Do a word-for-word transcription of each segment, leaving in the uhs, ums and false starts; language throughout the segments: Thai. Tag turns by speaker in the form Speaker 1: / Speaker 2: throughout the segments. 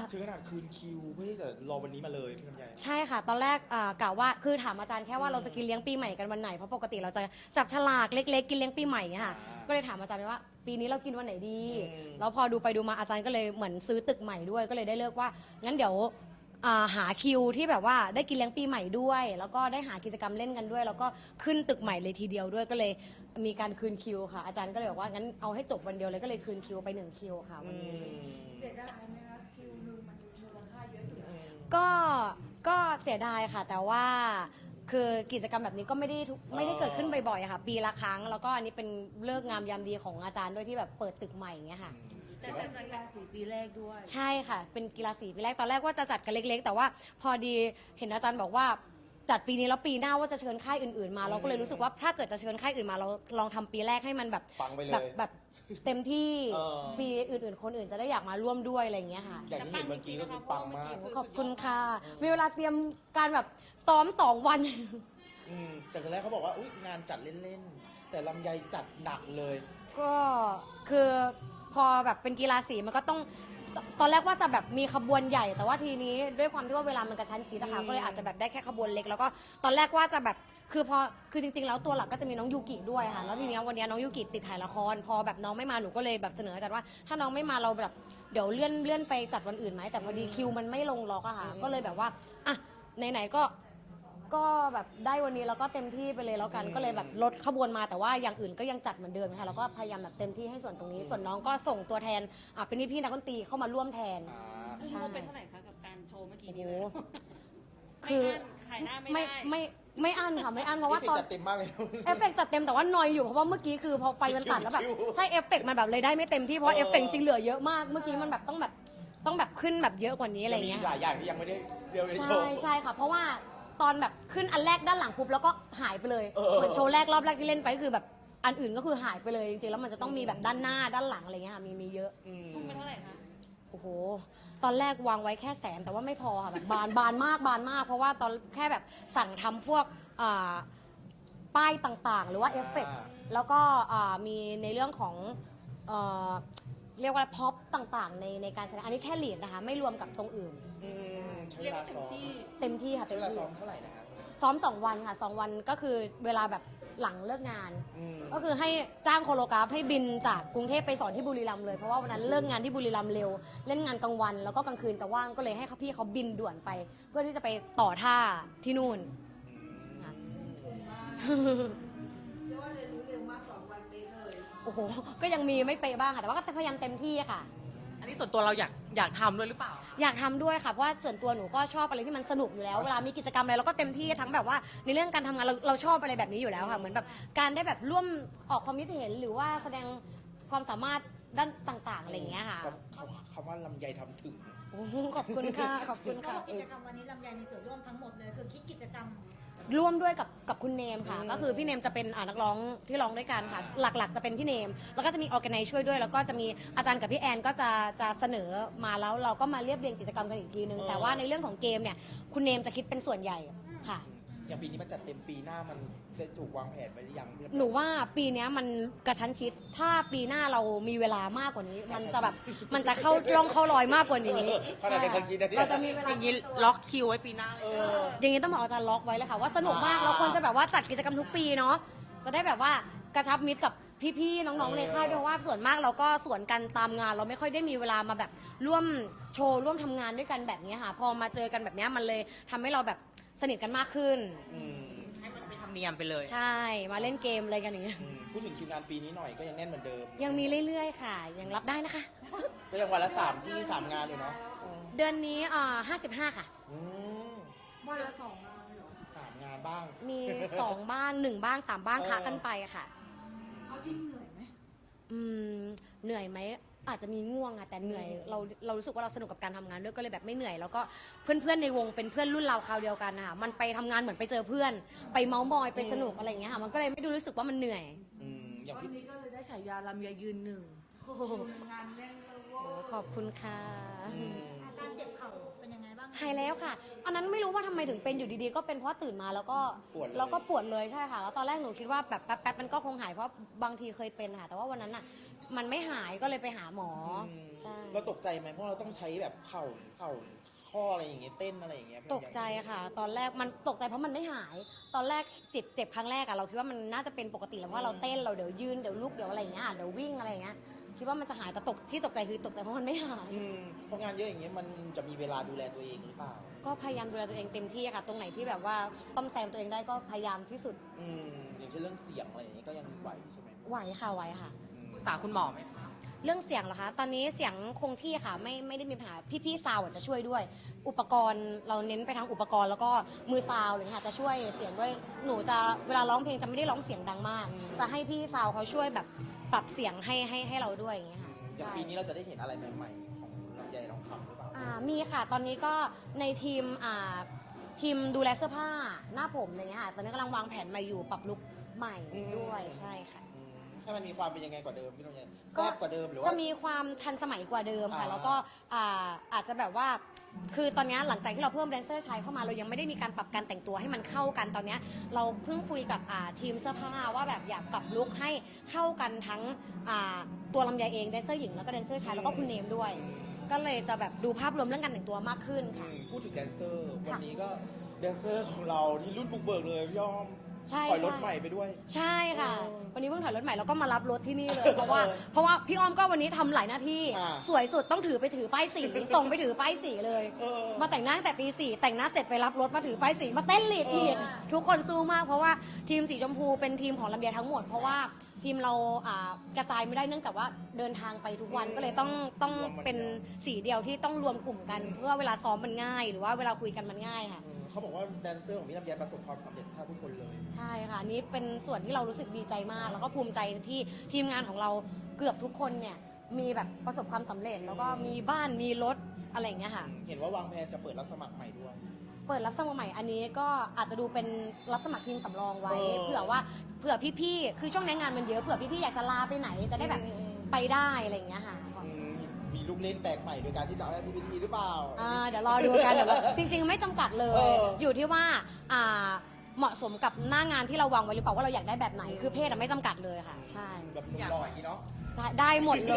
Speaker 1: ถึงขนาดคืนคิวเพื่อที่จะรอวันนี้มาเลยพี่ลำไย
Speaker 2: ใช่ค่ะตอนแรกอ่ากะว่าคือถามอาจารย์แค่ว่าเราจะกินเลี้ยงปีใหม่กันวันไหนเพราะปกติเราจะจับฉลากเล็กๆกินเลี้ยงปีใหม่ค่ะก็เลยถามอาจารย์ไปว่าปีนี้เรากินวันไหนดีแล้วพอดูไปดูมาอาจารย์ก็เลยเหมือนซื้อตึกใหม่ด้วยก็เลยได้เลือกว่างั้นเดี๋ยวหาคิวที่แบบว่าได้กินเลี้ยงปีใหม่ด้วย แล้วก็ได้หากิจกรรมเล่นกันด้วย แล้วก็ขึ้นตึกใหม่เลยทีเดียวด้วยก็เลยมีการคืนคิวค่ะอาจารย์ก็เลยบอกว่างั้นเอาให้จบวันเดียวเลยก็เลยคืนคิวไปหนึ่งคิวค่ะวันนี้
Speaker 3: เสียดายไหมคะคิวหนึ่งมันมูลค่าเยอะอยู่
Speaker 2: ก็ก็เสียดายค่ะแต่ว่าคือกิจกรรมแบบนี้ก็ไม่ได้ไม่ได้เกิดขึ้นบ่อยๆค่ะปีละครั้งแล้วก็อันนี้เป็นเลิกงามยามดีของอาจารย์ด้วยที่แบบเปิดตึกใหม่อย่างเงี้ยค่ะ
Speaker 3: แต่เป็นกีฬาสีปีแรกด้วย
Speaker 2: ใช่ค่ะเป็นกีฬาสีปีแรกตอนแรกว่าจะจัดกันเล็กๆแต่ว่าพอดีเห็นอาจารย์บอกว่าจัดปีนี้แล้วปีหน้าว่าจะเชิญค่ายอื่นๆมาเราก็เลยรู้สึกว่าถ้าเกิดจะเชิญค่ายอื่นมาเราลองทำปีแรกให้มันแบบแบบแบบเต็มที่ปีอื่นๆคนอื่นจะได้อยากมาร่วมด้วยอะไรอย่างเงี้ยค่ะ
Speaker 1: อย่างที่เห็นเมื่อกี้ก็คือปังมาก
Speaker 2: ขอบคุณค่ะมีเวลาเตรียมการแบบซ้อมสองวัน
Speaker 1: จากตอนแรกเขาบอกว่าอุ๊ยงานจัดเล่นๆแต่ลำไยจัดหนักเลย
Speaker 2: ก็คือพอแบบเป็นกีฬาสีมันก็ต้องตอนแรกว่าจะแบบมีขบวนใหญ่แต่ว่าทีนี้ด้วยความที่ว่าเวลามันกระชั้นชิดนะคะก็เลยอาจจะแบบได้แค่ขบวนเล็กแล้วก็ตอนแรกว่าจะแบบคือพอคือจริงๆแล้วตัวหลักก็จะมีน้องยูกิด้วยค่ะแล้วทีนี้วันนี้น้องยูกิติดถ่ายละครพอแบบน้องไม่มาหนูก็เลยแบบเสนออาจารย์ว่าถ้าน้องไม่มาเราแบบเดี๋ยวเลื่อนเลื่อนไปจัดวันอื่นไหมแต่พอดีคิวมันไม่ลงล็อกอะค่ะก็เลยแบบว่าอ่ะไหนๆก็ก็แบบได้วันนี้แล้วก็เต็มที่ไปเลยแล้วกันก็เลยแบบลดขบวนมาแต่ว่าอย่างอื่นก็ยังจัดเหมือนเดิมค่ะแล้วก็พยายามแบบเต็มที่ให้ส่วนตรงนี้ส่วนน้องก็ส่งตัวแทนอ่ะเป็นพี่ๆนักดนตรีเข้ามาร่วมแทน
Speaker 4: ใช่เป็นเท่าไหร่คะกับการโชว์เมื่อกี้นี้
Speaker 2: คือ
Speaker 4: ขายหน้าไม่
Speaker 2: ไม่
Speaker 4: ได้
Speaker 2: ไม่ไม่อั้นค่ะไม่อั้นเพราะว่า
Speaker 1: ตอนจัดเต็มมากเลย
Speaker 2: เอฟเฟกจัดเต็มแต่ว่านอยอยู่เพราะว่าเมื่อกี้คือพอไฟมันตัดแล้วแบบใช่เอฟเฟกมันแบบเลยได้ไม่เต็มที่เพราะเอฟเฟกจริงเหลือเยอะมากเมื่อกี้มันแบบต้องแบบต้องแบบขึ้นแบบเยอะกว่านี้อะไรเงี้ย
Speaker 1: มีหลายอย่างที่ยังไม่ได้เรียวในโชว์
Speaker 2: ใช่ใช่ค่ะเพราะว่าตอนแบบขึ้นอันแรกด้านหลังปุ๊บแล้วก็หายไปเลยเหมือนโชว์แรกรอบแรกที่เล่นไปก็คือแบบอันอื่นก็คือหายไปเลยจริงๆแล้วมันจะต้องมีแบบด้านหน้าด้านหลังอะไรเงี้ยค่ะมีมีเยอะ
Speaker 4: ทุ่มไปเท่าไหร่คะ
Speaker 2: โอ้โหตอนแรกวางไว้แค่แสนแต่ว่าไม่พอค่ะแบบบานบานมากบานมากเพราะว่าตอนแค่แบบสั่งทำพวกป้ายต่างๆหรือว่าเอฟเฟกต์แล้วก็มีในเรื่องของเรียกว่าพ็อปต่างๆในในการแสดงอันนี้แค่ลีดนะคะไม่รวมกับตรงอื่น
Speaker 1: ใช้เวลาซ้อม
Speaker 2: เต็มที่ค่ะ
Speaker 1: ใช้เวลาซ้อมเท่าไหร่นะครับ
Speaker 2: ซ้อมสองวันค่ะสองวันก็คือเวลาแบบหลังเลิกงานก็คือให้จ้างโคโรกราฟให้บินจากกรุงเทพไปสอนที่บุรีรัมย์เลยเพราะว่าวันนั้นเลิกงานที่บุรีรัมย์เร็วเล่นงานกลางวันแล้วก็กลางคืนจะว่างก็เลยให้พี่เขาบินด่วนไป เพื่อที่จะไปต่อท่าที่นู่น
Speaker 3: เรียกว่าเรียนรู้เร็วมากสองวันนี้เลย
Speaker 2: โอ้โหก็ยังมีไม่เป๊ะบ้างค่ะแต่ว่าก็พยายามเต็มที่ค่ะ
Speaker 5: อันนี้ส่วนตัวเราอยากอยากทำด้วยหรือเปล่า
Speaker 2: อยากทำด้วยค่ะเพราะว่าส่วนตัวหนูก็ชอบอะไรที่มันสนุกอยู่แล้วเวลามีกิจกรรมอะไรเราก็เต็มที่ทั้งแบบว่าในเรื่องการทำงานเราเราชอบอะไรแบบนี้อยู่แล้วค่ะเหมือนแบบการได้แบบร่วมออกความคิดเห็นหรือว่าแสดงความสามารถด้านต่างๆอะไรอย่างเงี้ยค่ะ
Speaker 1: คำว่าลำไยทำถึง
Speaker 2: ขอบคุณค่ะขอบคุณค่ะ
Speaker 3: กิจกรรมวันนี้ลำไยมีส่วนร่วมทั้งหมดเลยคือคิดกิจกรรม
Speaker 2: ร่วมด้วยกับกับคุณเนมค่ะก็คือพี่เนมจะเป็นนักร้องที่ร้องด้วยกันค่ะหลักๆจะเป็นพี่เนมแล้วก็จะมีออร์แกไนซ์ช่วยด้วยแล้วก็จะมีอาจารย์กับพี่แอนก็จะจะเสนอมาแล้วเราก็มาเรียบเรียงกิจกรรมกันอีกทีนึงแต่ว่าในเรื่องของเกมเนี่ยคุณเนมจะคิดเป็นส่วนใหญ่ค่ะ
Speaker 1: อย่างปีนี้มันจัดเต็มปีหน้ามันจะถูกวางแผนไว้หรือยัง
Speaker 2: หนูว่าปีนี้มันกระชั้นชิดถ้าปีหน้าเรามีเวลามากกว่านี้มันจะแบบมันจะเข้าร่องเข้ารอยมากกว่านี้
Speaker 1: ขนาดกระชั้นชิดนะเนี่ย
Speaker 2: เราจะมีเวลา
Speaker 5: อย่างนี้ล็อกคิวไว้ปีหน้าเลย
Speaker 2: อย่างนี้ต้องบอกอาจารย์ล็อกไว้เลยค่ะว่าสนุกมากเราควรจะแบบว่าจัดกิจกรรมทุกปีเนาะจะได้แบบว่ากระชับมิตรกับพี่ๆน้องๆในค่ายด้วยว่าส่วนมากเราก็ส่วนกันตามงานเราไม่ค่อยได้มีเวลามาแบบร่วมโชว์ร่วมทำงานด้วยกันแบบนี้ค่ะพอมาเจอกันแบบนี้มันเลยทำให้เราแบบสนิทกันมากขึ้น
Speaker 5: ให้มันเป็นธรรมเนียมไปเลย
Speaker 2: ใช่มาเล่นเกมอะไรกันอย่างเงี้ย
Speaker 1: พูดถึงคิวงานปีนี้หน่อยก็ยังแน่นเหมือนเดิม
Speaker 2: ยังมีเรื่อยๆค่ะยังรับได้นะคะ
Speaker 1: ก็ยังวันละสามที่สามงานอยู่เนาะ
Speaker 2: เดือนนี้อ่าห้าสิบห้าค่ะ
Speaker 3: วันละสองงานเหรอ
Speaker 1: สามงานบ้าง
Speaker 2: มีสองบ้างหนึ่งบ้างสามบ้างค้ากันไปค่ะ
Speaker 3: เอาจริงเหนื่อยไหม
Speaker 2: อืมเหนื่อยไหมอาจจะมีง่วงอะแต่เหนื่อยเราเรารู้สึกว่าเราสนุกกับการทำงานด้วยก็เลยแบบไม่เหนื่อยแล้วก็เพื่อนๆในวงเป็นเพื่อนรุ่นเราคราวเดียวกันนะคะมันไปทำงานเหมือนไปเจอเพื่อนไปเมาส์มอยไปสนุกอะไรอย่างเงี้ยค่ะมันก็เลยไม่ดูรู้สึกว่ามันเหนื่อย
Speaker 3: วันนี้ก็เลยได้ฉายาลำไยยืนหนึ่งงานแน่นเลย
Speaker 2: ขอบคุณค่ะ
Speaker 3: อาการเจ็บเข่าเป็นยังไงบ้าง
Speaker 2: หายแล้วค่ะ อันนั้นไม่รู้ว่าทำไมถึงเป็นอยู่ดีๆ ก็เป็นเพราะว่าตื่นมาแล้วก็
Speaker 1: ปวดเลย
Speaker 2: แล้วก็ปวดเลยใช่ค่ะ แล้วตอนแรกหนูคิดว่าแบบแป๊บๆมันก็คงหายเพราะบางทีเคยเป็นค่ะ แต่ว่าวันนั้นอ่ะมันไม่หายก็เลยไปหาหมออ
Speaker 1: ม
Speaker 2: ใช่
Speaker 1: เราตกใจไหมเพราะเราต้องใช้แบบเข่าเข่าข้ออะไรอย่างเงี้ยเต้นอะไรอย่างเงี้ย
Speaker 2: ตกใจค่ะ ตอนแรกมันตกใจเพราะมันไม่หาย ตอนแรกเจ็บเจ็บครั้งแรกอะเราคิดว่ามันน่าจะเป็นปกติแล้วเพราะเราเต้นเราเดี๋ยวยืนเดี๋ยวลุกเดี๋ยวอะไรอย่างเงี้ยเดี๋ยววิ่งอะไรอย่างเงี้ยคิดว่ามันจะหายแต่ตกที่ตกใจคือตกใจเพราะมันไม่หาย
Speaker 1: อืมเพราะงานเยอะอย่างเงี้ยมันจะมีเวลาดูแลตัวเองหรือเปล่า
Speaker 2: ก็พยายามดูแลตัวเองเต็มที่ค่ะ ตรงไหนที่แบบว่าซ่อมแซมตัวเองได้ก็พยายามที่สุด
Speaker 1: อืมอย่างเช่นเรื่องเสียงอะไรอย่างเงี้ยก็ยังไหวใช่ไหม
Speaker 2: ไหวค่ะไหวค่ะ
Speaker 1: อืม
Speaker 5: ปรึกษาคุณหมอไหมคะ
Speaker 2: เรื่องเสียงเหรอคะ ตอนนี้เสียงคงที่ค่ะ ไม่ไม่ได้มีปัญหา พี่ๆซาวด์จะช่วยด้วย อุปกรณ์เราเน้นไปทางอุปกรณ์แล้วก็มือซาวด์เลยค่ะจะช่วยเสียงด้วย หนูจะเวลาร้องเพลงจะไม่ได้ร้องเสียงดังมาก จะให้พี่ซาวด์เขาช่วยแบบปรับเสียงให้ให้ให้เราด้วยอย่างเงี้ยค่ะ
Speaker 1: อย่างปีนี้เราจะได้เห็นอะไรใหม่ๆของลำไยทองคำหรือเปล่า
Speaker 2: อ่ามีค่ะ ตอนนี้ก็ในทีมอ่าทีมดูแลเสื้อผ้าหน้าผมอะไรเงี้ยค่ะ ตอนนี้กำลังวางแผนใหม่อยู่ปรับลุคใหม่
Speaker 1: อืม
Speaker 2: ด้วยใช่ค่ะ
Speaker 1: อืมให้มันมีความเป็นยังไงกว่าเดิมพี่ลำไย
Speaker 2: ก็
Speaker 1: แซ่บกว่าเดิมหรือว่า
Speaker 2: จะมีความทันสมัยกว่าเดิมค่ะ
Speaker 1: อ่า
Speaker 2: แล้วก็อ่าอาจจะแบบว่า คือตอนนี้หลังจากที่เราเพิ่มแดนเซอร์ชายเข้ามาเรายังไม่ได้มีการปรับการแต่งตัวให้มันเข้ากันตอนนี้เราเพิ่งคุยกับอ่าทีมเสื้อผ้าว่าแบบอยากปรับลุคให้เข้ากันทั้งอ่าตัวลำไยเองแดนเซอร์หญิงแล้วก็แดนเซอร์ชายแล้วก็คุณเนมด้วย ก็เลยจะแบบดูภาพรวมเรื่องการแต่งตัวมากขึ้น
Speaker 1: อื
Speaker 2: ค่ะ
Speaker 1: มพูดถึงแดนเซอร์
Speaker 2: ค่ะ
Speaker 1: วันนี้ก็แดนเซอร์ของเราที่รุ่นบุกเบิกเลยพี่อ้อม
Speaker 2: ใช่
Speaker 1: ถอยรถ
Speaker 2: ใช่
Speaker 1: ใหม่ไปด้วย
Speaker 2: ใช่ค่ะ
Speaker 1: เออ
Speaker 2: วันนี้เพิ่งถอยรถใหม่แล้วก็มารับรถที่นี่เลย เพราะว่า
Speaker 1: เออ
Speaker 2: เพราะว่าพี่อ้อมก็วันนี้ทำหลายหน้าที่
Speaker 1: อ่า
Speaker 2: สวยสุดต้องถือไปถือป้ายสี ส่งไปถือป้ายสีเลย
Speaker 1: เออ
Speaker 2: มาแต่งหน้าตั้งแต่ตีสี่แต่งหน้าเสร็จไปรับรถมาถือป้ายสีมาเต้นลีดอีก
Speaker 1: เออ
Speaker 2: ทุกคนสู้มากเพราะว่าทีมสีชมพูเป็นทีมของลำไยทั้งหมด เพราะว่าทีมเราอ่ากระจายไม่ได้เนื่องจากว่าเดินทางไปทุกวันก็เลยต้องต้องเป็นสีเดียวที่ต้องรวมกลุ่มกัน เพื่อเวลาซ้อมมันง่าย หรือว่าเวลาคุยกันมันง่ายค่ะ
Speaker 1: อืมเขาบอกว่าแดนเซอร์ของพี่ลำไยประสบความสำเร็จแทบทุกคนเลย
Speaker 2: ใช่ค่ะอันนี้เป็นส่วนที่เรารู้สึกดีใจมาก แล้วก็ภูมิใจที่ทีมงานของเราเกือบทุกคนเนี่ยมีแบบประสบความสำเร็จ แล้วก็มีบ้านมีรถอะไรอย่างเงี้ยค่ะ
Speaker 1: เห็นว่าวางแผนจะเปิดรับสมัครใหม่ด้วย
Speaker 2: เปิดรับสมัครใหม่อันนี้ก็อาจจะดูเป็นรับสมัครทีมสำรองไว้
Speaker 1: เออ
Speaker 2: เผื่อว่าเผื่อพี่ๆคือช่วงนี้งานมันเยอะเผื่อพี่ๆอยากจะลาไปไหนจะได้แบบไปได้อะไรอย่างเงี้ยค่ะ
Speaker 1: อืมมีลูกเล่นแปลกใหม่โดยการที่จะเอา แอล จี บี ที หรือเปล่า
Speaker 2: อ่าเดี๋ยวรอดูกันเดี๋ยวเราจริงๆไม่จำกัดเลย
Speaker 1: เออ
Speaker 2: อยู่ที่ว่าอ่าเหมาะสมกับหน้างานที่เราวางไว้หรือเปล่าว่าเราอยากได้แบบไหนคือเพศอะไม่จำกัดเลยค่ะใช่
Speaker 1: แบบหนุ่มหล่ออย่างนี้เนาะ
Speaker 2: ได้ได้หมดเลย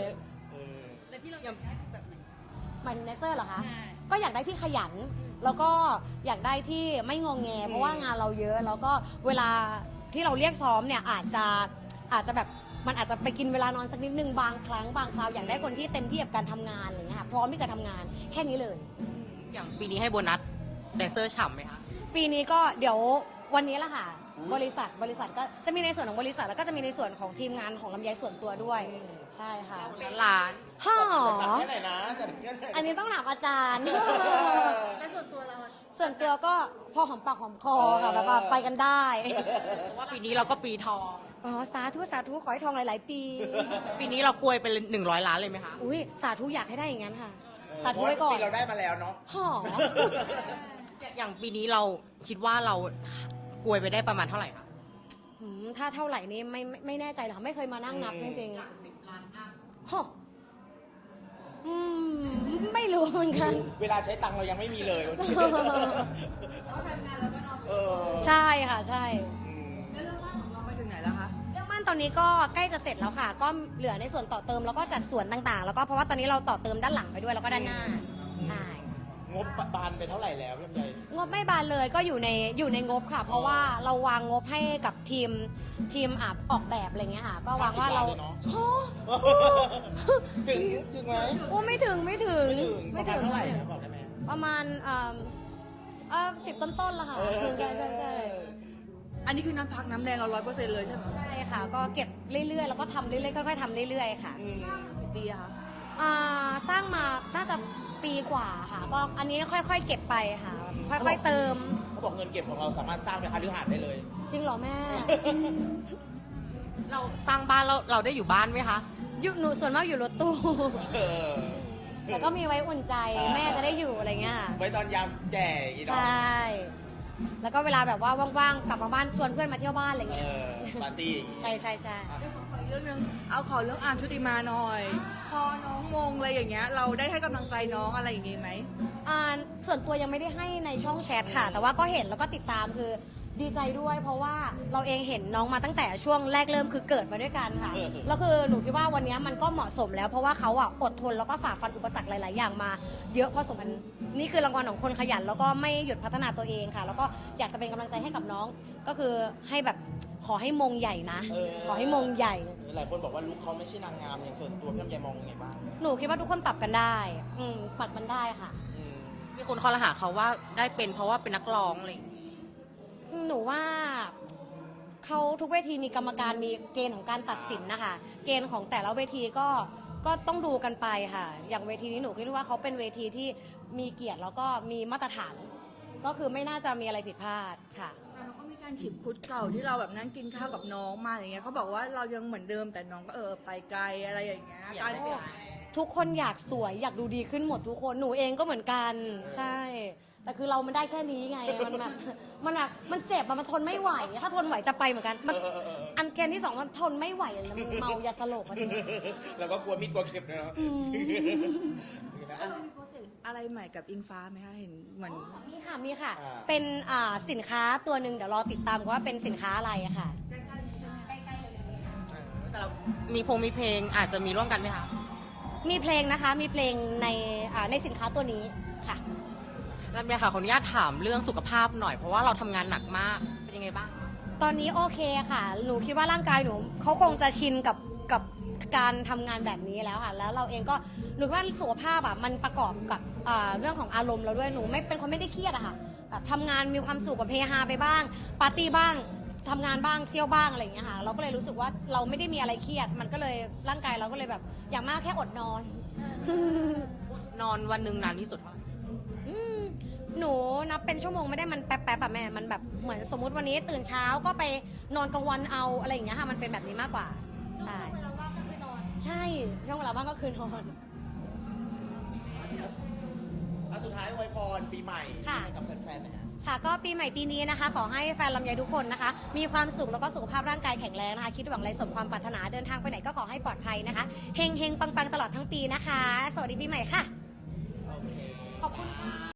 Speaker 1: เออ
Speaker 4: แล้วที่เราอยากได้คือแบบไหน
Speaker 2: หมายถึงแดนเซอร์เหรอคะ
Speaker 4: ใช่
Speaker 2: ก็อยากได้ที่ขยัน แล้วก็อยากได้ที่ไม่งองแง เพราะว่างานเราเยอะ แล้วก็เวลาที่เราเรียกซ้อมเนี่ยอาจจะอาจจะแบบมันอาจจะไปกินเวลานอนสักนิดนึงบางครั้งบางคราวอยากได้คนที่เต็มที่กับการทำงานอะไรเงี้ยค่ะพร้อมที่จะทำงานแค่นี้เลย
Speaker 5: อย่างปีนี้ให้โบนัสแดนเซอร์ฉ่ำไหมคะ
Speaker 2: ปีนี้ก็เดี๋ยววันนี้แหละค่ะ บริษัทบริษัทก็จะมีในส่วนของบริษัทแล้วก็จะมีในส่วนของทีมงานของลำไยส่วนตัวด้วย ใช่ค่ะ
Speaker 5: ล้าน
Speaker 2: ฮ่อ
Speaker 1: จัดแค่ไหนนะจัดแค่ไหน
Speaker 2: อันนี้ต้องถามอาจารย์
Speaker 4: แล้วส่วนตัวเราอะ
Speaker 2: ส่วนตัวก็พอหอมปากหอมคอค่ะแบบว่าไปกันได้
Speaker 5: เพราะว่าปีนี้เราก็ปีทอง
Speaker 2: อ๋อสาธุสาธุขอให้ทองหลาย ๆ ปี
Speaker 5: ปีนี้เรากลวยไปหนึ่งร้อยล้านเลยไหมคะ
Speaker 2: อุ้ยสาธุอยากให้ได้อย่างนั้นค่ะ
Speaker 1: เออ
Speaker 2: สาธุไว้ก่อน
Speaker 1: เพราะว่าปีเราได้มาแล้วเนาะ
Speaker 2: หอ
Speaker 5: อย่างปีนี้เราคิดว่าเรากลวยไปได้ประมาณเท่าไหร่คะ
Speaker 2: หืมถ้าเท่าไหร่นี้ไม่ไม่ไม่แน่ใจหรอกค่ะไม่เคยมานั่งนับจริง
Speaker 5: หลักสิบล้านอัพ
Speaker 2: ๆหออืมไม่รู้เหมือนกัน
Speaker 1: เวลาใช้ตังค์เรายังไม่มีเลยวันนี้
Speaker 3: แล้วทำงานเราก็นอน
Speaker 1: เออ
Speaker 2: ใช่ค่ะใช่
Speaker 1: อืม
Speaker 3: แล้วเรื่องบ้านของเราไปถึงไหนแล้วคะ
Speaker 2: เรื่องบ้านตอนนี้ก็ใกล้จะเสร็จแล้วค่ะ ก็เหลือในส่วนต่อเติมแล้วก็จัดส่วนต่างๆ แล้วก็เพราะว่าตอนนี้เราต่อเติมด้านหลังไปด้วยแล้วก็ด้านหน้าใช่
Speaker 1: งบบานไปเท่าไหร่แล้วพี่ลำไย
Speaker 2: งบไม่บานเลยก็อยู่ในอยู่ในงบค่ะ เพราะว่าเราวางงบให้กับทีมทีมอาบออกแบบอะไรเงี้ยค่ะ ก็วางว่าเรา
Speaker 1: ห้สิบล้นลยเนาะ
Speaker 2: โอ้
Speaker 1: ถึงถึงไหม
Speaker 2: โอ้ไม่ถึงไม่ถึง
Speaker 1: ไม่ถึงประมาณเท่าไหร่นะบอกได้ไหม
Speaker 2: ประมาณเอ่อเอ่อสิบต้นๆละค่ะ
Speaker 1: เออ
Speaker 2: ถึงใช่ใช่ใช่
Speaker 3: อันนี้คือน้ำพักน้ำแดงเราร้อยเปอร์เซ็นต์เลยใช่ไหม
Speaker 2: ใช่ค่ะ ก็เก็บเรื่อยๆ แล้วก็ทำเรื่อยๆค่อยๆทำเรื่อยๆค่ะ
Speaker 1: อืม
Speaker 3: กี่ปีอะคะ
Speaker 2: อ่าสร้างมาน่าจะปีกว่าค่ะ ก็อันนี้ค่อยๆเก็บไปค่ะ ค่อยๆเติม
Speaker 1: เขาบอกเงินเก็บของเราสามารถสร้างเป็นคฤหาสน์ได้เลย
Speaker 2: จริงเหรอแม่
Speaker 5: เราสร้างบ้านเราเราได้อยู่บ้านไหมคะ
Speaker 2: อยู่หนูส่วนมากอยู่รถตู้
Speaker 1: เออ
Speaker 2: แต่ก็มีไว้อุ่นใจแม่จะได้อยู่อะไรเงี้ยค่ะ
Speaker 1: ไว้ตอนยามแก่อย่างงี้
Speaker 2: ใช
Speaker 1: เนาะ
Speaker 2: ่ แล้วก็เวลาแบบว่าว่างๆ กลับมาบ้านชวนเพื่อนมาเที่ยวบ้านอะไร
Speaker 1: เอ
Speaker 2: เงี้ย
Speaker 1: อปาร์ตี้อย่างงี้
Speaker 2: ใช่ใช่ใช่
Speaker 1: อ่ะ
Speaker 3: เรื่องของขออนุญรื่องนึงเอาขอเรื่องอาร์มชุติมาหน่อย พอน้องมงอะไรอย่างเงี้ยเราได้ให้กำลังใจน้องอะไรอย่างงี้ไหม
Speaker 2: อ่าส่วนตัวยังไม่ได้ให้ในช่องแชทค่ะ แต่ว่าก็เห็นแล้วก็ติดตามคือดีใจด้วย เพราะว่าเราเองเห็นน้องมาตั้งแต่ช่วงแรกเริ่มคือเกิดมาด้วยกันค่ะ แล้วคือหนูคิดว่าวันนี้มันก็เหมาะสมแล้ว เพราะว่าเขาอ่ะอดทนแล้วก็ฝ่าฟันอุปสรรคหลาย ๆ อย่างมา เยอะพอสมควรนี่คือรางวัลของคนขยัน แล้วก็ไม่หยุดพัฒนาตัวเองค่ะ แล้วก็อยากจะเป็นกำลังใจให้กับน้อง ก็คือให้แบบขอให้มงใหญ่นะ
Speaker 1: เออ
Speaker 2: ขอให้มงใหญ่
Speaker 1: หลายคนบอกว่าลุคเขาไม่ใช่นางงามอย่างส่วนตัวพี่ลำไยมองยังไงบ้าง
Speaker 2: หนูคิดว่าทุกคนปรับกันได้อืมปรับมันได้ค่ะ
Speaker 1: อืม
Speaker 5: มีคนคอรหาเขาว่าได้เป็นเพราะว่าเป็นนักร้องอะไรอย่างเงี้ย
Speaker 2: หนูว่าเขาทุกเวทีมีกรรมการมีเกณฑ์ของการตัดสินนะคะ เกณฑ์ของแต่ละเวทีก็ก็ต้องดูกันไปค่ะ อย่างเวทีนี้หนูคิดว่าเขาเป็นเวทีที่มีเกียรติแล้วก็มีมาตรฐาน ก็คือไม่น่าจะมีอะไรผิดพลาดค่ะ
Speaker 3: แต่เราก็มีการขีบคุดเก่าที่เราแบบนั่งกินข้าวกับน้องมาอย่างเงี้ยเขาบอกว่าเรายังเหมือนเดิมแต่น้องก็เออไปไกลอะไรอย่างเงี้ย
Speaker 5: อยากได้
Speaker 3: การ
Speaker 5: เป็น
Speaker 2: ทุกคนอยากสวยอยากดูดีขึ้นหมดทุกคนหนูเองก็เหมือนกันใช่ แต่คือเรามันได้แค่นี้ไงมันแบบมันแบบมันเจ็บอะมันทนไม่ไหว ถ้าทนไหวจะไปเหมือนกันมันอันเกณฑ์ที่สองมันทนไม่ไหวแล้วมันเมายาสลบอะจริง
Speaker 1: แล้วก็กลัวมีดกลัวเข็มนะเนาะ
Speaker 2: อืม
Speaker 3: เออมีโปรเจกต์อะไรใหม่กับอิงฟ้าไหมคะเห็นเหมือน
Speaker 2: มีค่ะมีค่ะ
Speaker 1: อ่า
Speaker 2: เป็นอ่าสินค้าตัวหนึ่งเดี๋ยวรอติดตามกันว่าเป็นสินค้าอะไรอะค่ะ
Speaker 5: แต่เรามีพงมีเพลงอาจจะมีร่วมกันไหมคะ
Speaker 2: มีเพลงนะคะ มีเพลงในอ่าในสินค้าตัวนี้ค่ะ
Speaker 5: แล้วเมียค่ะขออนุญาตถามเรื่องสุขภาพหน่อยเพราะว่าเราทำงานหนักมากเป็นยังไงบ้าง
Speaker 2: ตอนนี้โอเคค่ะ หนูคิดว่าร่างกายหนูเขาคงจะชินกับกับการทำงานแบบนี้แล้วค่ะ แล้วเราเองก็หนูคิดว่าสุขภาพอ่ะมันประกอบกับอ่าเรื่องของอารมณ์เราด้วย หนูไม่เป็นคนไม่ได้เครียดอะค่ะแบบทำงานมีความสุขกับเฮฮาไปบ้าง ปาร์ตี้บ้างทำงานบ้างเที่ยวบ้างอะไรอย่างเงี้ยค่ะ เราก็เลยรู้สึกว่าเราไม่ได้มีอะไรเครียด มันก็เลยร่างกายเราก็เลยแบบอย่างมากแค่อดนอน
Speaker 5: นอนวันหนึ่งนานที่สุดเท่าไหร่
Speaker 2: อืมหนูนับเป็นชั่วโมงไม่ได้มันแป๊บๆอะแม่ มันแบบเหมือนสมมุติวันนี้ตื่นเช้าก็ไปนอนกลางวันเอาอะไรอย่างเงี้ยค่ะ มันเป็นแบบนี้มากกว่า ใช่
Speaker 4: เวลาว่างก็คือนอน
Speaker 2: ใช่ ช่วงเวลาว่างก็คือนอน
Speaker 1: อ่ะสุดท้ายอวยพรปีใหม่
Speaker 2: ค่ะ
Speaker 1: ให้กับแฟนๆนะฮะ
Speaker 2: ค่ะ ก็ปีใหม่ปีนี้นะคะ ขอให้แฟนลำไยทุกคนนะคะ มีความสุขแล้วก็สุขภาพร่างกายแข็งแรงนะคะ คิดหวังอะไรสมความปรารถนาเดินทางไปไหนก็ขอให้ปลอดภัยนะคะ เฮงเฮงปังปังตลอดทั้งปีนะคะ สวัสดีปีใหม่ค่ะ
Speaker 1: โอเค
Speaker 2: ขอบคุณค่ะ